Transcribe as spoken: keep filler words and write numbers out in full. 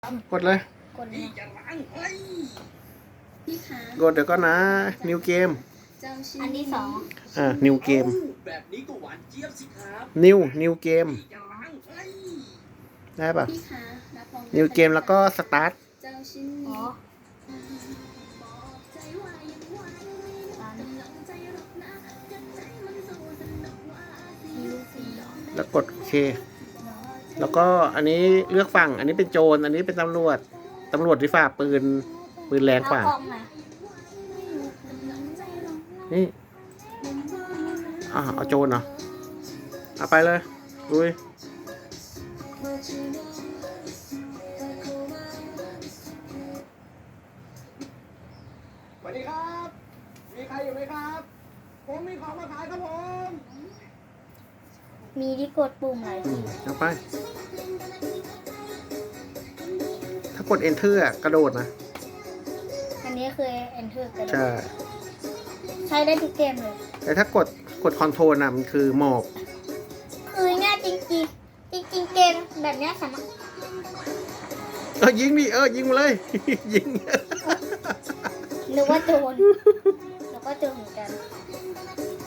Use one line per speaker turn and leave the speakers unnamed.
กดเลย
กดเลยพี่คะ
กดเดี๋ยวก็นะ นิวเกม
อันที่สอง
อ่านิวเกม
แบบนี้ก็หวานเจี๊ยบสิครับ
นิวนิวเกมได้ป่ะ
พี่คะรับรอง
นิวเกมแล้วก็สตาร์ท
เจ้าชิ้นนี้
แล้วกดโอเค แล้วก็อันนี้เลือกฝั่งอันนี้เป็นโจรอันนี้เป็นตำรวจตำรวจที่ฝ่าปืนปืนแรงกว่า
เอากล่องมา
นี่อ่าเอาโจรเหรอเอาไปเลยลุยสวัสดีครับมีใครอยู่ไหมครับผมมีของมาขายครับผม
มีที่กดปุ่มหลายที
เอาไปถ้ากด enter อะกระโดดนะ
อันนี้คือ enter กัน
ใช่
ใช้ได้ทุกเกมเลย
แต่ถ้ากดกดคอนโทรลนะมันคือหมอบ
คือง่ายจริงจริงจริงจริงๆเกมแบบเนี้ยสามารถ
เออยิงดิเออยิงมาเลย ยิง
นึกว่าโจรนึกว่าโจรเหมือนกัน